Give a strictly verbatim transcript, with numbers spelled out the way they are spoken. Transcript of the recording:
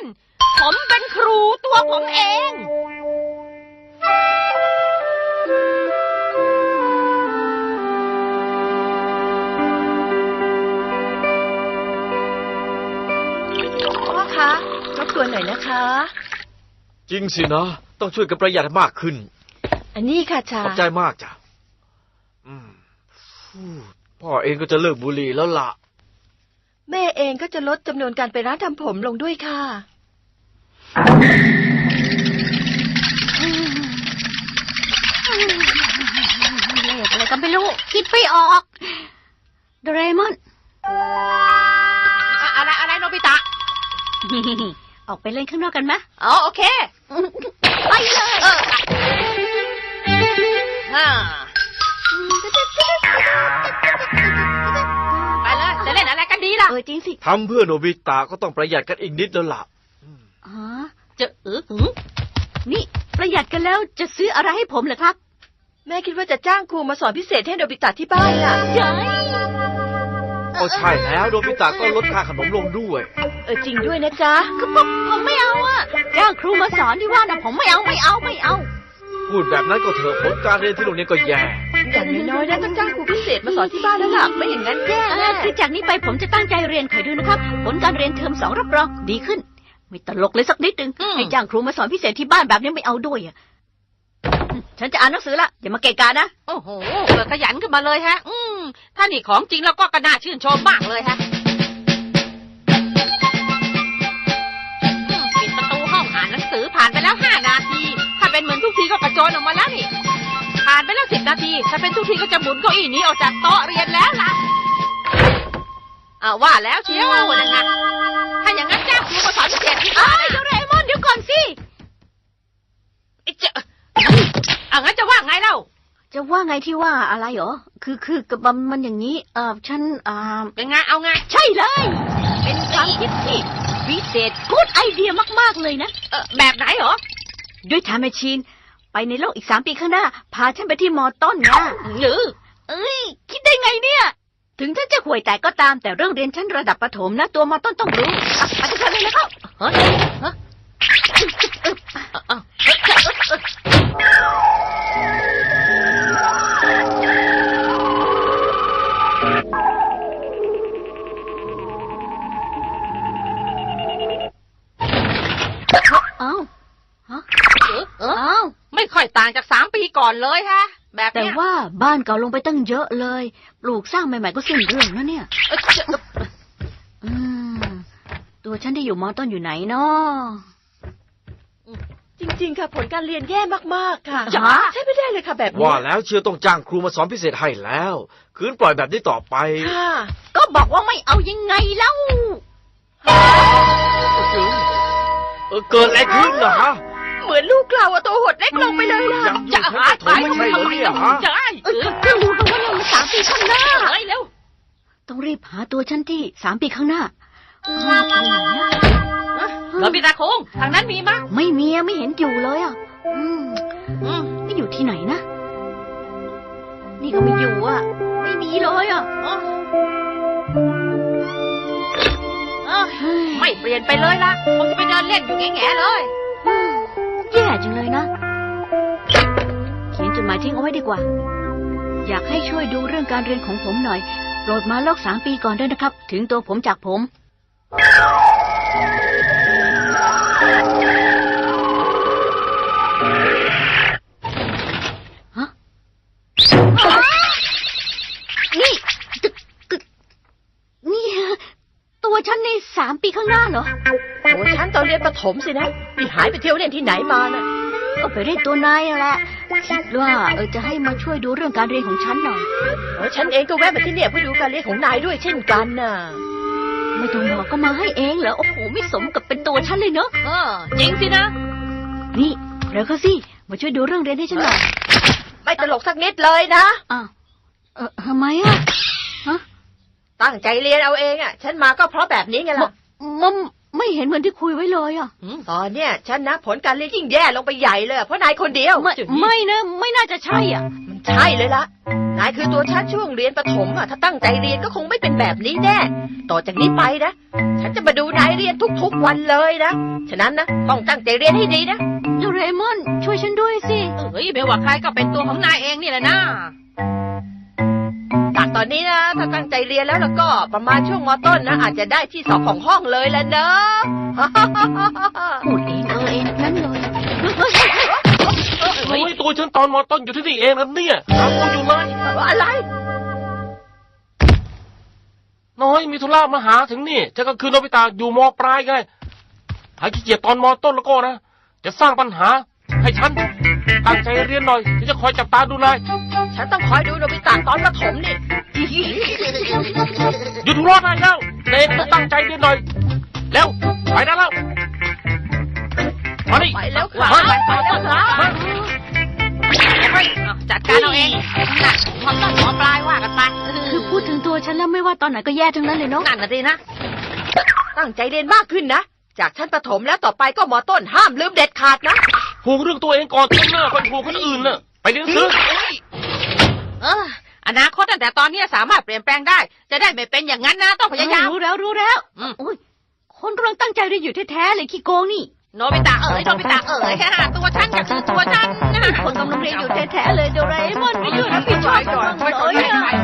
ผมเป็นครูตัวผมเองพ่อคะรบกวนหน่อยนะคะจริงสินะต้องช่วยกันประหยัดมากขึ้นอันนี้ค่ะชาขอบใจมากจ้ะอืมพ่อเองก็จะเลิกบุหรี่แล้วล่ะแม่เองก็จะลดจำนวนการไปร้านทำผมลงด้วยค่ะเลขอะไรก็ไม่รู้คิดไม่ออกโดเรมอนอะไรอะไรโนบิตะออกไปเล่นข้างนอกกันไหมอ๋อโอเคไปเลยฮ่าไปเลยจะเล่นอะไรกันดีล่ะเออจริงสิทำเพื่อโนบิตะก็ต้องประหยัดกันอีกนิดแล้วล่ะอ๋อจะเออนี่ประหยัดกันแล้วจะซื้ออะไรให้ผมเหรอครับแม่คิดว่าจะจ้างครูมาสอนพิเศษให้โนบิตะที่บ้านล่ะใช่ก็ใช่แล้วโนบิตะก็ลดค่าขนมลงด้วยเออจริงด้วยนะจ๊ะคือผมผมไม่เอาอ่ะจ้างครูมาสอนที่ว่านะผมไม่เอาไม่เอาไม่เอาพูดแบบนั้นก็เถอะผลการเรียนที่โรงเรียนก็แย่อย่างน้อยๆนะต้องจ้างครูพิเศษมาสอนที่บ้านแล้วล่ะไม่อย่างนั้นแย่แน่คือจากนี้ไปผมจะตั้งใจเรียนคอยดูนะครับผลการเรียนเทอมสองรับรองดีขึ้นไม่ตลกเลยสักนิดนึงให้จ้างครูมาสอนพิเศษที่บ้านแบบนี้ไม่เอาด้วยอ่ะฉันจะอ่านหนังสือละอย่ามาเกะกะนะโอ้โหเกิดขยันขึ้นมาเลยฮะอืมถ้านี่ของจริงแล้วก็กระน่าชื่นชมมากเลยฮะปิดประตูห้องอ่านหนังสือผ่านไปแล้วห้านาทีถ้าเป็นเหมือนทุกทีก็กระโจนออกมาแล้วนี่ผ่านไปแล้วสิบนาทีถ้าเป็นทุกทีก็จะหมุนเก้าอี้นี้ออกจากโต๊ะเรียนแล้วล่ะอ่าว่าแล้วเชียวว่านะถ้าอย่างนั้นจ้างครูมาสอนพิเศษที่บ้านโดเรมอนเดี๋ยวก่อนสิจะอ่ะงั้นจะว่าไงเล่าจะว่าไงที่ว่าอะไรเหรอคือคือกับมันอย่างนี้เออฉันอ่าเป็นไงเอาไงใช่เลยเป็นความคิดที่พิเศษกู๊ดไอเดียมากๆเลยนะเออแบบไหนเหรอด้วยไทม์แมชชีนไปในโลกอีกสามปีข้างหน้าพาฉันไปที่มอต้นนะหรือเอ้ยคิดได้ไงเนี่ยถึงฉันจะห่วยแตกก็ตามแต่เรื่องเรียนชั้นระดับประถมนะตัวมอต้นต้องรู้ไปกันเลยนะครับเฮ้ยฮะอ้าวฮะเอออ้าวไม่ค่อยต่างจากสามปีก่อนเลยฮะแบบแต่ว่าบ้านเก่าลงไปตั้งเยอะเลยปลูกสร้างใหม่ๆก็สิ้นเรื่องนะเนี่ยอืมตัวฉันที่อยู่มอต้นอยู่ไหนเนาะจริงๆค่ะผลการเรียนแย่มากๆค่ะใช่ไม่ได้เลยค่ะแบบนี้ว่าแล้วเชียวต้องจ้างครูมาสอนพิเศษให้แล้วคืนปล่อยแบบนี้ต่อไปค่ะก็บอกว่าไม่เอายังไงเล่าเออเกิดอะไรขึ้นเหรอฮะเหมือนลูกเราอะตัวหดเล็กลงไปเลยล่ะจะหายไปไม่ใช่เหรอเนี่ยฮะใช่เออก็รู้กันว่าเราสามปีข้างหน้าเฮ้ยเร็วต้องรีบหาตัวฉันที่สามปีข้างหน้าเรามีตาโค้งทางนั้นมีมั้ยไม่มีไม่เห็นอยู่เลยอ่ะอืมอืมนี่อยู่ที่ไหนนะนี่ก็ไม่อยู่อ่ะไม่มีเลยอ่ะไม่เปลี่ยนไปเลยล่ะคงจะไปเดินเล่นอยู่แง่ๆเลยแย่จังเลยนะเขียนจดหมายทิ้งเอาไว้ดีกว่าอยากให้ช่วยดูเรื่องการเรียนของผมหน่อยโปรดมาลอกสามปีก่อนด้วยนะครับถึงตัวผมจากผมฮะนี่นี่ตัวฉันในสามปีข้างหน้าเหรอตัวฉันตอนเรียนประถมสินะนี่หายไปเที่ยวเล่นที่ไหนมาน่ะก็ไปเล่นตัวนายแหละคิดว่าเออจะให้มาช่วยดูเรื่องการเรียนของฉันหน่อยเออฉันเองก็แวะมาที่เนี่ยเพื่อดูการเรียนของนายด้วยเช่นกันน่ะไม่ต้องบอกก็มาให้เองเหรอโอ้โหไม่สมกับเป็นตัวฉันเลยเนอะเออจริงสินะนี่เร็วเข้าสิมาช่วยดูเรื่องเรียนให้ฉันหน่อยไม่ตลกสักนิดเลยนะอ้าวเออทำไมอ่ะฮะตั้งใจเรียนเอาเองอ่ะฉันมาก็เพราะแบบนี้ไงล่ะมันไม่เห็นเหมือนที่คุยไว้เลยอ่ะตอนเนี้ยฉันนะผลการเรียนยิ่งแย่ลงไปใหญ่เลยเพราะนายคนเดียวไม่ไม่นะไม่น่าจะใช่อ่ะมันใช่เลยล่ะนายคือตัวฉันช่วงเรียนประถมอ่ะถ้าตั้งใจเรียนก็คงไม่เป็นแบบนี้แน่ต่อจากนี้ไปนะฉันจะมาดูนายเรียนทุกๆวันเลยนะฉะนั้นนะต้องตั้งใจเรียนให้ดีนะโดเรมอนช่วยฉันด้วยสิเอ้ยไม่ว่าใครก็เป็นตัวของนายเองนี่แหละนะจากตอนนี้นะถ้าตั้งใจเรียนแล้วแล้วก็ประมาณช่วงม.ต้นนะอาจจะได้ที่สองของห้องเลยละเนอะพูดเองเออเองนั่นเลยโอ้ยตัวฉันตอนมอต้นอยู่ที่นี่เองนะเนี่ยหาตัวอยู่เลยอะไรน้อยมีธุระมาหาถึงนี่ฉันก็คือโนบิตะอยู่มปลายไงหาขี้เกียจตอนมอต้นแล้วก็นะจะสร้างปัญหาให้ฉันตั้งใจเรียนหน่อยฉันจะคอยจับตาดูนายฉันต้องคอยดูโนบิตะตอนประถมนี่หยุดหัวเราะได้แล้วเด็กตั้งใจเรียนหน่อยแล้วไปได้แล้วมาดิไปแล้วคว้ารับวไปแล้วครับเอาจัดการเอาเองน่ะมอต้นหมอปลายว่ากันไปคือพูดถึงตัวฉันแล้วไม่ว่าตอนไหนก็แย่ทั้งนั้นเลยเนาะนั่นน่ะสินะตั้งใจเรียนมากขึ้นนะจากชั้นประถมแล้วต่อไปก็ม.ต้นห้ามลืมเด็ดขาดนะห่วงเรื่องตัวเองก่อนเถอะนะคนห่วงคนอื่นน่ะไปเรียนหนังสือเอออนาคตตั้งแต่ตอนนี้สามารถเปลี่ยนแปลงได้ จะได้ไม่เป็นอย่างนั้นนะต้องพยายามรู้แล้วรู้แล้วอืมโอ้ยคนกำลังตั้งใจเรียนอยู่แท้ๆเลยขี้โกงนี่โนบิตะเอ๋ยโนบิตะเอ๋ยตัวฉันก็คือตัวฉันนะคนกำลังเรียนอยู่แท้ๆเลยโดเรมอนไม่หยุดรับผิดชอบกันบ้างเลยอะ